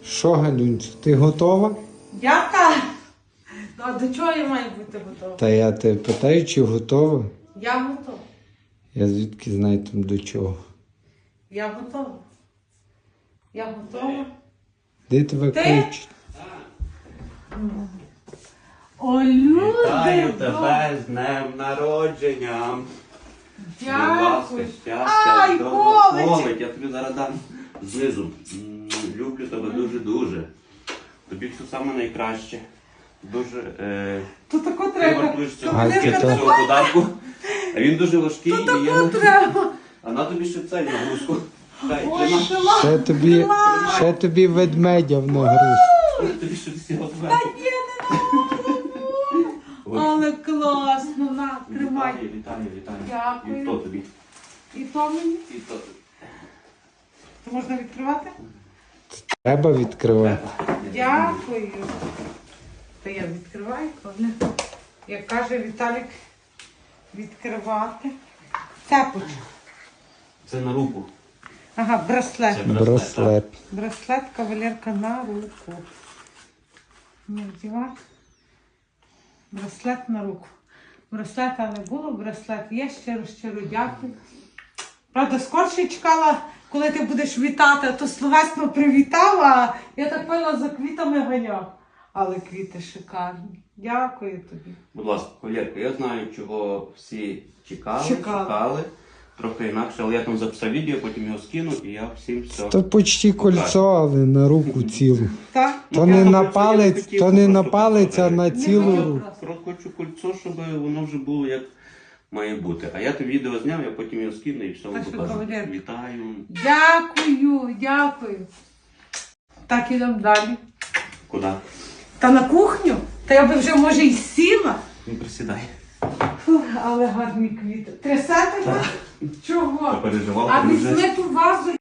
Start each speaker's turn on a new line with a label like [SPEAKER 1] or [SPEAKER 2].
[SPEAKER 1] Що, Галюнцю, ти готова?
[SPEAKER 2] Яка? Ну, а до чого я маю бути готова?
[SPEAKER 1] Та я тебе питаю, чи готова?
[SPEAKER 2] Я готова.
[SPEAKER 1] Я звідки знаю там до чого.
[SPEAKER 2] Я готова. Я готова.
[SPEAKER 1] Де тебе
[SPEAKER 2] Ти?
[SPEAKER 1] кличуть?
[SPEAKER 2] О, люди!
[SPEAKER 3] Вітаю тебе з днем народження. Будь ласка,
[SPEAKER 2] Дякую.
[SPEAKER 3] щастя,
[SPEAKER 2] Ай, Колич!
[SPEAKER 3] Колить, я тобі зараз дам знизу. Люблю тебе дуже-дуже. Тобі все саме найкраще. Дуже.
[SPEAKER 2] То тако
[SPEAKER 3] Ти
[SPEAKER 2] треба.
[SPEAKER 3] вартуєш цього
[SPEAKER 1] Алька, то-
[SPEAKER 3] цього подарку. А він дуже важкий і
[SPEAKER 2] Тако
[SPEAKER 3] є.
[SPEAKER 2] треба.
[SPEAKER 3] А на тобі ще цей нагрузку. Дай,
[SPEAKER 2] Ой,
[SPEAKER 3] тримай.
[SPEAKER 2] клас.
[SPEAKER 1] Ще тобі ведмедя в нагруз.
[SPEAKER 3] Тобі ще всього
[SPEAKER 2] Та
[SPEAKER 3] зверху.
[SPEAKER 2] ні, не надо. Але класно, на, тримай.
[SPEAKER 3] Вітаю.
[SPEAKER 2] Дякую.
[SPEAKER 3] І то тобі.
[SPEAKER 2] І то мені.
[SPEAKER 3] І то тобі.
[SPEAKER 2] То можна відкривати?
[SPEAKER 1] Треба відкривати.
[SPEAKER 2] Дякую. Та я відкриваю, коли. Як каже Віталік, відкривати. Цепочку.
[SPEAKER 3] Це на руку.
[SPEAKER 2] Ага, браслет.
[SPEAKER 3] Це
[SPEAKER 1] Браслет.
[SPEAKER 2] Браслет кавалерка на руку. Не вдівати. Браслет на руку. Браслета не було, браслет є. Щиро дякую. Правда, скорше чекала, коли ти будеш вітати, а то словесно привітала, я так пила за квітами ганяв. Але квіти шикарні. Дякую тобі.
[SPEAKER 3] Будь ласка, Валерко, я знаю, чого всі чекали. Трохи інакше, але я там записав відео, потім його скину і я всім все.
[SPEAKER 1] То почти кольцо, але на руку цілу.
[SPEAKER 2] Так?
[SPEAKER 1] То
[SPEAKER 3] Ну,
[SPEAKER 1] не
[SPEAKER 3] я
[SPEAKER 1] на
[SPEAKER 3] хотів,
[SPEAKER 1] палець,
[SPEAKER 3] хотів
[SPEAKER 1] то не на
[SPEAKER 3] просто
[SPEAKER 1] палець, а на
[SPEAKER 3] показати.
[SPEAKER 1] цілу
[SPEAKER 2] Не
[SPEAKER 1] руку.
[SPEAKER 3] Просто хочу кольцо, щоб воно вже було як має бути. А я те відео зняв, я потім його скину і все
[SPEAKER 2] Так
[SPEAKER 3] вам
[SPEAKER 2] що,
[SPEAKER 3] покажу.
[SPEAKER 2] кавалерка.
[SPEAKER 3] Вітаю.
[SPEAKER 2] Дякую. Так, ідемо далі.
[SPEAKER 3] Куди?
[SPEAKER 2] Та на кухню? Та я би вже, може, й сіла.
[SPEAKER 3] Не присідай.
[SPEAKER 2] Фух, але гарні квіти. Трясете? Чого?
[SPEAKER 3] Попереживав,
[SPEAKER 2] А
[SPEAKER 3] ти вже.
[SPEAKER 2] візьми ту вазу